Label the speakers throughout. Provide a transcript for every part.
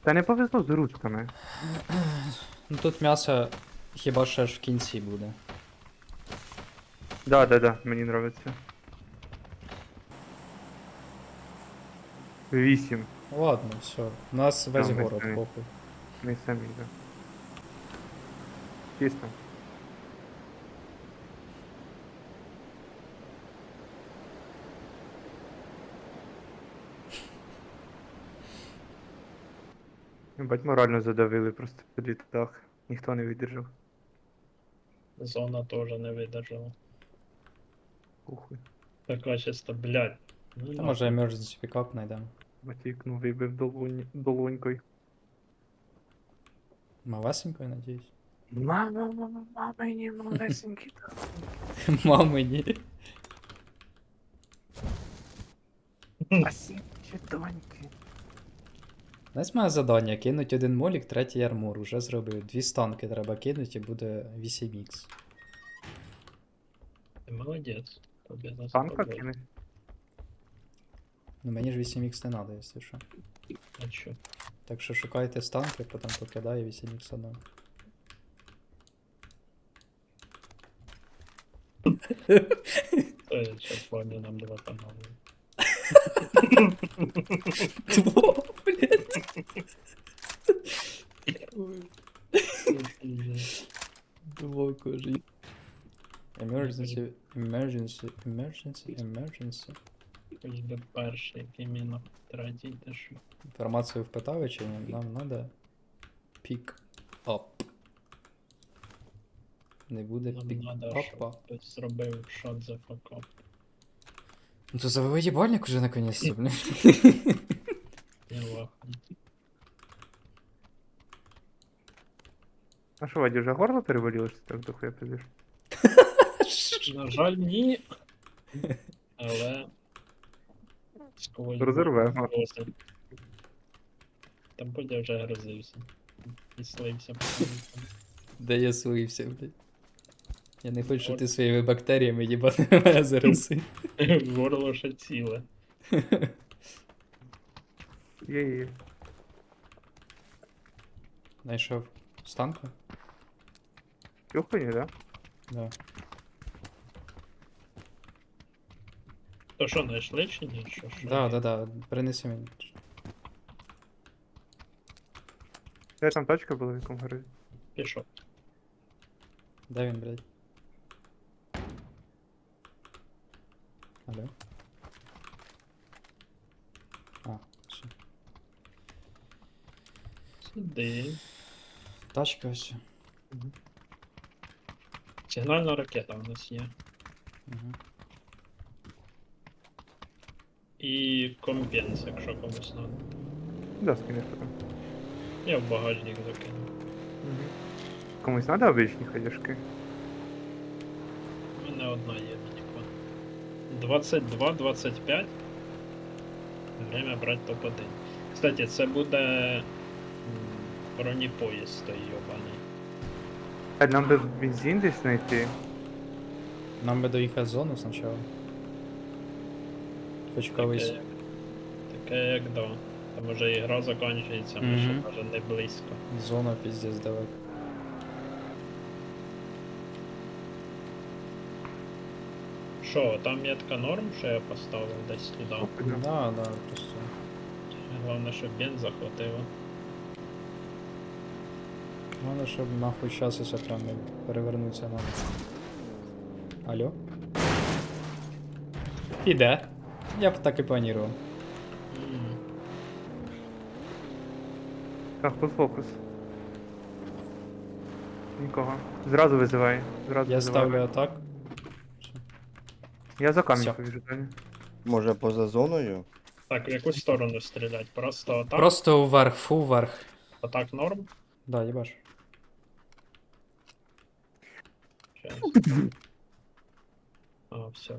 Speaker 1: Та не повезло з ручками.
Speaker 2: Ну тут м'ясо хіба ще ж в кінці буде.
Speaker 1: Да, мені нравиться. 8.
Speaker 2: Ладно, все. У нас весь
Speaker 1: Да, ми
Speaker 2: город,
Speaker 1: самі.
Speaker 2: похуй.
Speaker 1: Ми самі, да. Чисто. Бать морально задавили просто під літак. Ніхто не видержав.
Speaker 3: Зона тоже не видержала.
Speaker 1: Похуй.
Speaker 3: Така чисто, блядь. Ну,
Speaker 2: Та може
Speaker 3: нахуй.
Speaker 2: emergency пікап знайдемо.
Speaker 1: Батькну вибив долонькою.
Speaker 2: Малесенькою, надіюсь.
Speaker 1: Мама, мені малесенький.
Speaker 2: Мамині.
Speaker 1: Спасибо, доньки.
Speaker 2: Знаєш, моє завдання кинуть один молік, третій армор. Уже зробив. 2 станки треба кинути і буде 8х.
Speaker 3: Ти молодець. Тобі за
Speaker 1: Танка
Speaker 3: тобою.
Speaker 1: кине.
Speaker 2: Ну мені ж 8х не треба, якщо що.
Speaker 3: А що?
Speaker 2: Так що шукайте станки, потім покидаю 8х одного.
Speaker 3: То я зараз плані нам два канали.
Speaker 2: Тво, блядь. Тво, кожи. Emergency.
Speaker 3: Хоч би перший, який міна третій, те що.
Speaker 2: Інформацію впитали чи ні? Нам надо pick up. Не буде
Speaker 3: Нам
Speaker 2: pick
Speaker 3: надо,
Speaker 2: up.
Speaker 3: щоб хтось зробив шот за факап.
Speaker 2: Ну то завели ебальник уже наконец-то, блин.
Speaker 3: Я вахну.
Speaker 1: А що, Ваді, вже горло перевалило, що ти так дохуя пиздиш?
Speaker 3: На жаль, ні. Але. Сквозь
Speaker 1: Розірвемо.
Speaker 3: досить. Там Бодя вже грозився. І слився.
Speaker 2: Да я слився, блядь. Я не хочу, щоб ти своїми бактеріями їбати мене зараз.
Speaker 3: Горло ще ціле.
Speaker 1: Є.
Speaker 2: Знайшов станку?
Speaker 1: Тюхані, да?
Speaker 2: Да.
Speaker 3: То що, знайшли чи ні? Що?
Speaker 2: Да. Принеси мені.
Speaker 1: Де там тачка була в якому гаражі?
Speaker 3: Пішов.
Speaker 2: Де він, блядь? Алло? А, все.
Speaker 3: Сюди.
Speaker 2: Тачка ось.
Speaker 3: Сигнальна ракета у нас є.
Speaker 2: Угу.
Speaker 3: І компенс, якщо комусь надо.
Speaker 1: Да, скинеш потім.
Speaker 3: Я в багажник закину.
Speaker 1: Комусь надо обичні ходяшки?
Speaker 3: У мене одна є мінікон. 22-25. Время брати топ-1. Кстати, це буде бронепоїзд той йобаний.
Speaker 1: А нам би бензин десь знайти.
Speaker 2: Нам би доїхати в зону спочатку. Хоч колись.
Speaker 3: Таке як да. Там уже ігра закінчується, ми ще
Speaker 2: Мгм.
Speaker 3: може не близько.
Speaker 2: Зона пиздец далеко.
Speaker 3: Що, там метка норм, що я поставив десь туди.
Speaker 2: Да, просто.
Speaker 3: Головне, щоб бенз захватило.
Speaker 2: Надо, щоб нахуй щас усе прям не перевернуться надо. Алло? Іде. Я б так і планував.
Speaker 1: Так, фокус. Нікого. Зразу визивай. Зразу
Speaker 2: Я
Speaker 1: визивай.
Speaker 2: ставлю атак.
Speaker 1: Я за
Speaker 2: Всё.
Speaker 1: камінь повіжу, Таня.
Speaker 4: Може поза зоною?
Speaker 3: Так, в яку сторону стрілять? Просто атак?
Speaker 2: Просто вверх, фу вверх.
Speaker 3: Атак норм?
Speaker 2: Да, їбаш.
Speaker 3: Щас. А, все.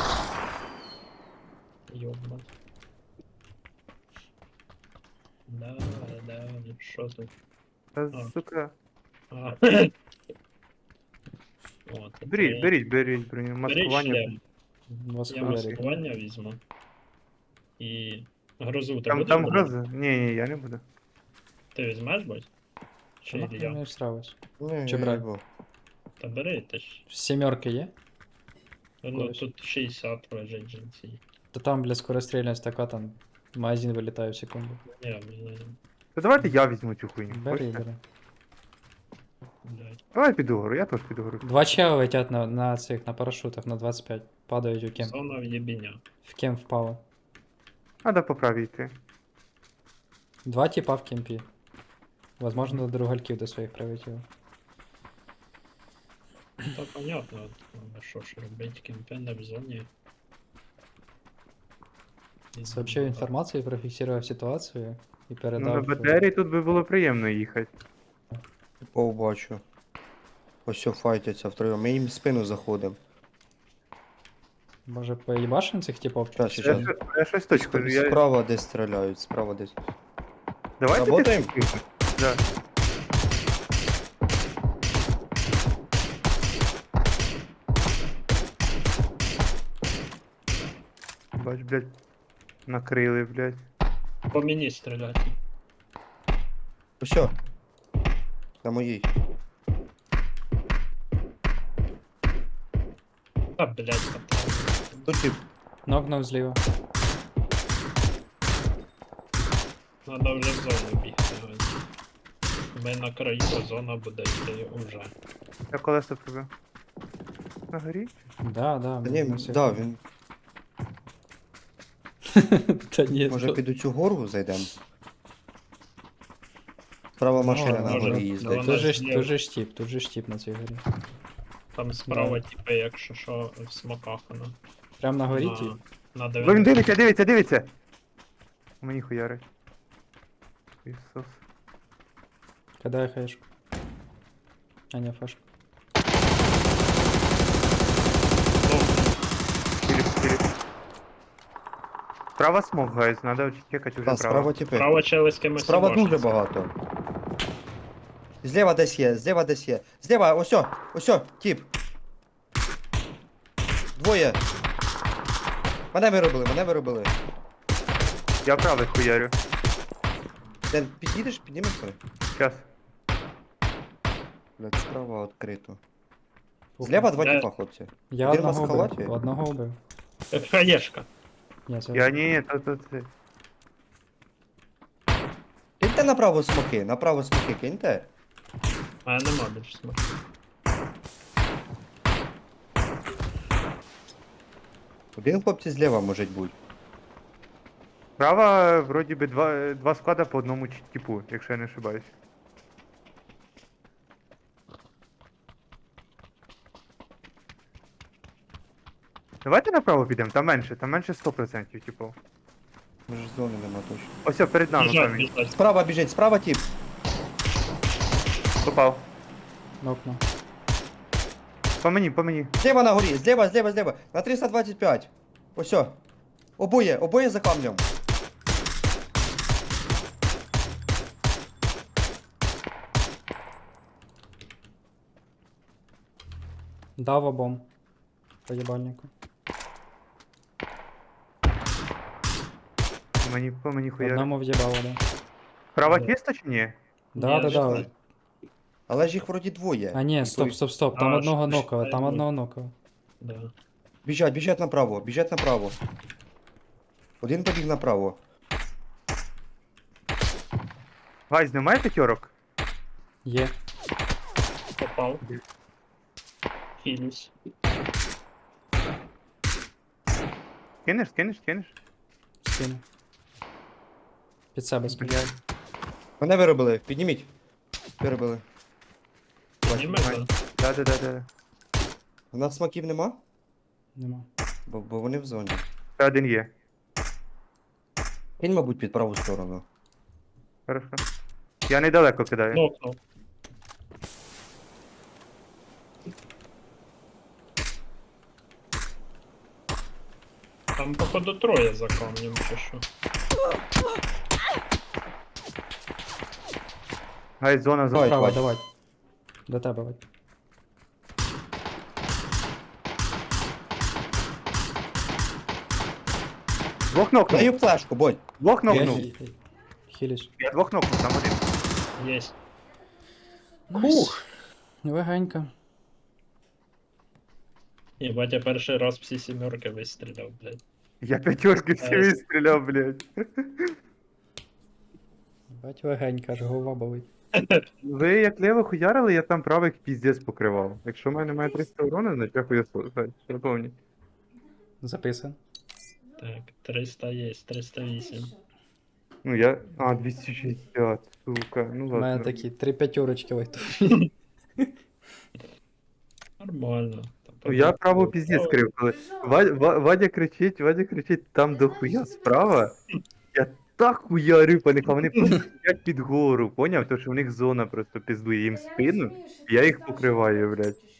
Speaker 3: Ёбать. Да, що тут?
Speaker 1: Та,
Speaker 3: А.
Speaker 1: сука.
Speaker 3: А. От,
Speaker 1: Беріть броню.
Speaker 3: Бери
Speaker 1: Маскування.
Speaker 3: шлем.
Speaker 2: Вас
Speaker 3: Я
Speaker 2: хуярить.
Speaker 3: маскування візьму. І грозу ти
Speaker 1: Там
Speaker 3: будеш брати?
Speaker 1: гроза? Ні, я не буду.
Speaker 3: Ти візьмеш, будь?
Speaker 2: Чи
Speaker 3: Чи
Speaker 2: нахуй
Speaker 3: я?
Speaker 2: не всравиш?
Speaker 4: Ні,
Speaker 2: Чи
Speaker 4: я
Speaker 2: брать?
Speaker 4: їбав.
Speaker 3: Та бери ти ж.
Speaker 2: Сімерки є?
Speaker 3: Ну
Speaker 2: Когось.
Speaker 3: тут 60 лежить жінці.
Speaker 2: То там, бля, скорострільність така, там магазин вилітає в секунду.
Speaker 3: Не,
Speaker 1: То давайте я візьму цю хуйню.
Speaker 2: Бери,
Speaker 1: хочете?
Speaker 2: бери.
Speaker 3: блядь.
Speaker 1: Давай піду гору, я теж піду гору.
Speaker 2: Два чела летять на цих, на парашутах на 25. Падають у кем.
Speaker 3: Зона в'єбіня.
Speaker 2: В кем впало.
Speaker 1: Надо по правій йти.
Speaker 2: Два типа в кемпі. Возможно, до другальків до своїх прилетіло.
Speaker 3: Та понятно, а що ж робить кемпенда в зоні.
Speaker 2: Сообщив інформацію, профіксував ситуацію і
Speaker 1: Ну на
Speaker 2: передав.
Speaker 1: БТРі тут би було приємно їхати.
Speaker 4: Типов бачу. Ось все файтяться втроєм. Ми їм в спину заходимо.
Speaker 2: Може поїбашим цих типов?
Speaker 4: Щас,
Speaker 2: Чи
Speaker 4: щас.
Speaker 2: що?
Speaker 1: Я щось точно. Я...
Speaker 4: Справа десь стріляють, справа десь.
Speaker 1: Давайте
Speaker 4: Работаем?
Speaker 1: Да. Бач, блядь. Накрили, блядь.
Speaker 3: По мені стріляти.
Speaker 4: Ось все. На моїй.
Speaker 3: Та, блядь,
Speaker 4: Тут тип.
Speaker 2: Нокнув зліва.
Speaker 3: надо вже в зону бігти. Ми на краю, а зона буде йти уже.
Speaker 1: Я колесо пробив. На горі?
Speaker 2: Да, да.
Speaker 4: Та ні,
Speaker 2: на всіх.
Speaker 4: да, він.
Speaker 2: Та ні,
Speaker 4: Може
Speaker 2: то-
Speaker 4: під цю гору зайдемо? Справа машина на
Speaker 3: може,
Speaker 4: горі
Speaker 3: ну,
Speaker 4: їздить.
Speaker 3: вона
Speaker 2: Тут же ж
Speaker 3: зліва.
Speaker 2: тут же штіп на цій горі.
Speaker 3: Там справа, типу, якщо що, в смоках вона.
Speaker 2: Прям на горі
Speaker 3: На-
Speaker 2: ті.
Speaker 3: На
Speaker 1: Бо він
Speaker 3: 90.
Speaker 1: дивиться, дивиться, дивиться! Мені хуярить. Ісус.
Speaker 2: Кидай хаєшку. А не фашку.
Speaker 1: Філіп, Філіп. Справа смог, гайз, надо чекати уже
Speaker 4: Та, справа
Speaker 1: право.
Speaker 4: типи.
Speaker 3: Справа чели з кимось.
Speaker 4: Справа
Speaker 3: можна.
Speaker 4: дуже багато. Зліва десь є, зліва десь є. Зліва, осьо, осьо, тип. Двоє. Мене виробили.
Speaker 1: Я правий хуярю.
Speaker 4: Ден, підійдеш, піднімешся?
Speaker 1: Щас.
Speaker 4: Блядь, справа відкрито. Зліва два
Speaker 3: Де?
Speaker 4: типа, хлопці.
Speaker 2: Я
Speaker 4: Один
Speaker 2: одного
Speaker 4: в халаті?
Speaker 2: убив. Одного убив.
Speaker 3: Хаєшка.
Speaker 2: Ні, це...
Speaker 1: Я ні, то це.
Speaker 4: Киньте направо смоки, киньте.
Speaker 3: А нема більше смоки.
Speaker 4: Один хлопці зліва може бути.
Speaker 1: Справа, вроді би, два склада по одному типу, якщо я не ошибаюсь. Давайте направо підемо, там менше 100%, типу.
Speaker 4: Може зони нема точно.
Speaker 1: Ось перед нами
Speaker 3: Біжать,
Speaker 1: камінь.
Speaker 3: біжать.
Speaker 4: Справа біжить, справа тип.
Speaker 1: Попав.
Speaker 2: Нокнув.
Speaker 1: По мені.
Speaker 4: Зліва на горі, зліва. На 325. Осьо. Обоє за камнем.
Speaker 2: Дав обом. По їбальнику.
Speaker 1: По мені хуярить.
Speaker 2: Одному в'їбало, да.
Speaker 1: Права
Speaker 3: Да.
Speaker 1: кіста чи ні?
Speaker 2: Да,
Speaker 3: Ні,
Speaker 2: да,
Speaker 3: що
Speaker 2: да.
Speaker 3: це?
Speaker 4: Але ж їх вроді двоє.
Speaker 2: А ні,
Speaker 4: І
Speaker 2: стоп,
Speaker 4: той-
Speaker 2: стоп. Там
Speaker 3: А,
Speaker 2: одного
Speaker 3: що-
Speaker 2: нокова,
Speaker 3: що
Speaker 2: там
Speaker 3: я
Speaker 2: одного нокова.
Speaker 3: Да.
Speaker 4: Біжать направо. Один побіг направо.
Speaker 1: Гайз, немає п'ятерок?
Speaker 2: Є.
Speaker 3: Попав. Хілюсь.
Speaker 1: Кинеш?
Speaker 2: Скину. Під себе скину.
Speaker 1: Блядь.
Speaker 4: Мене виробили, підніміть. Виробили.
Speaker 3: Підніме, да?
Speaker 1: Да.
Speaker 4: У нас смаків нема?
Speaker 2: Нема.
Speaker 4: Бо вони в зоні.
Speaker 1: Ще один є.
Speaker 4: Кинь, мабуть, під праву сторону.
Speaker 1: Хорошо. Я недалеко кидаю.
Speaker 3: Нокнув. Там, походу, троє за камнем чи що.
Speaker 1: Гайз, зона.
Speaker 4: Давай,
Speaker 2: Право,
Speaker 4: Вадь.
Speaker 2: давай. До тебе, Вадь.
Speaker 1: Двох нокнув.
Speaker 4: Даю флешку, бодь.
Speaker 1: Двох
Speaker 2: Я
Speaker 1: нокнув.
Speaker 2: хілюсь.
Speaker 1: Я двох нокнув, там один.
Speaker 3: Єсть.
Speaker 2: Найс. Легенько.
Speaker 3: Єбать, я перший раз всі сімерки вистріляв, блядь.
Speaker 1: Я п'ятерки всі
Speaker 3: Найс.
Speaker 1: вистріляв, блядь.
Speaker 2: Бать легенько, аж голова болить.
Speaker 1: Ви як лево хуярили, я там правих піздець покривав. Якщо в мене має 300 урона, значить я хуєсос. Що повні.
Speaker 2: Записан.
Speaker 3: Так, 300 є, 308.
Speaker 1: Ну я. А, 260, сука. Ну
Speaker 2: У мене
Speaker 1: ладно.
Speaker 2: такі 3 п'ятерочки лайтові.
Speaker 3: Нормально.
Speaker 1: Ну я право піздець крив, коли Вадя кричить там дохуя справа. Я так хуярю по них, а вони просто сидять під гору, поняв? Тому що в них зона просто пиздує їм в спину, я їх покриваю, блядь.